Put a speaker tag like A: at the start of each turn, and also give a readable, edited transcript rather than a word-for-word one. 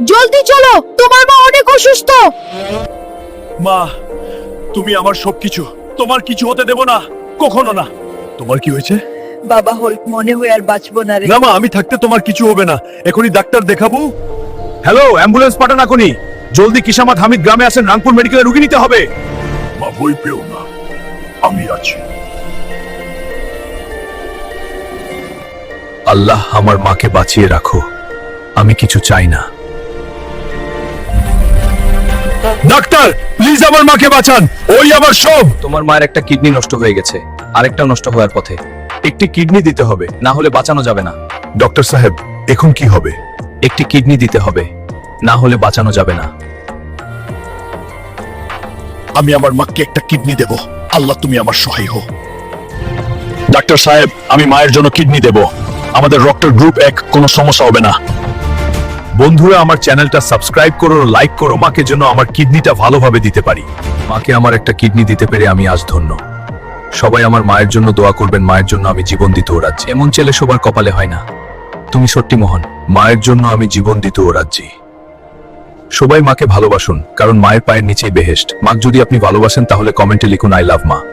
A: জলদি চলো, তোমার মা অনেক অসুস্থ।
B: মা, তুমি আমার সবকিছু, তোমার কিছু হতে দেব না, কখনো না। তোমার কি হয়েছে?
C: বাবা হল মনে হয় আর বাঁচবো না রে।
B: না মা, আমি থাকতে তোমার কিছু হবে না, এখনই ডাক্তার দেখাবো। হ্যালো, অ্যাম্বুলেন্স পাঠান এখনই। জলদি কিসামাত হামিদ গ্রামে আসেন, রাংপুর মেডিকেলে রুগী নিতে হবে। মা ভয় পেও না, আমি আছি। আল্লাহ আমার মাকে বাঁচিয়ে রাখো, আমি কিছু চাই না। ডাক্তার প্লিজ আমার মাকে বাঁচান, ওই আমার সব।
D: তোমার মায়ের একটা কিডনি নষ্ট হয়ে গেছে, আরেকটাও নষ্ট হওয়ার পথে।
B: একটি কিডনি দিতে হবে।
D: না হলে বাঁচানো যাবে না।
B: ডক্টর সাহেব এখন কি হবে?
D: একটি কিডনি দিতে হবে, না হলে বাঁচানো যাবে না।
B: আমি আমার মাকে একটা কিডনি দেব, আল্লাহ তুমি আমার সহায় হও। ডাক্তার সাহেব আমি মায়ের জন্য কিডনি দেব, আমাদের রক্তের গ্রুপ এক, কোনো সমস্যা হবে না। বন্ধুরা আমার চ্যানেলটা সাবস্ক্রাইব করো, লাইক করো, মাকে যেন আমার কিডনিটা ভালোভাবে দিতে পারি।
D: মাকে আমার একটা কিডনি দিতে পেরে আমি আজ ধন্য। সবাই আমার মায়ের জন্য দোয়া করবেন, মায়ের জন্য আমি জীবন দিতে ও রাজ্যে। এমন ছেলে সবার কপালে হয় না। তুমি সত্যি মহান।
B: মায়ের জন্য আমি জীবন দিতে ও রাজ্যে।
D: সবাই মাকে ভালোবাসুন, কারণ মায়ের পায়ের নিচেই বেহেশত। মাকে যদি আপনি ভালোবাসেন তাহলে কমেন্টে লিখুন আই লাভ মা।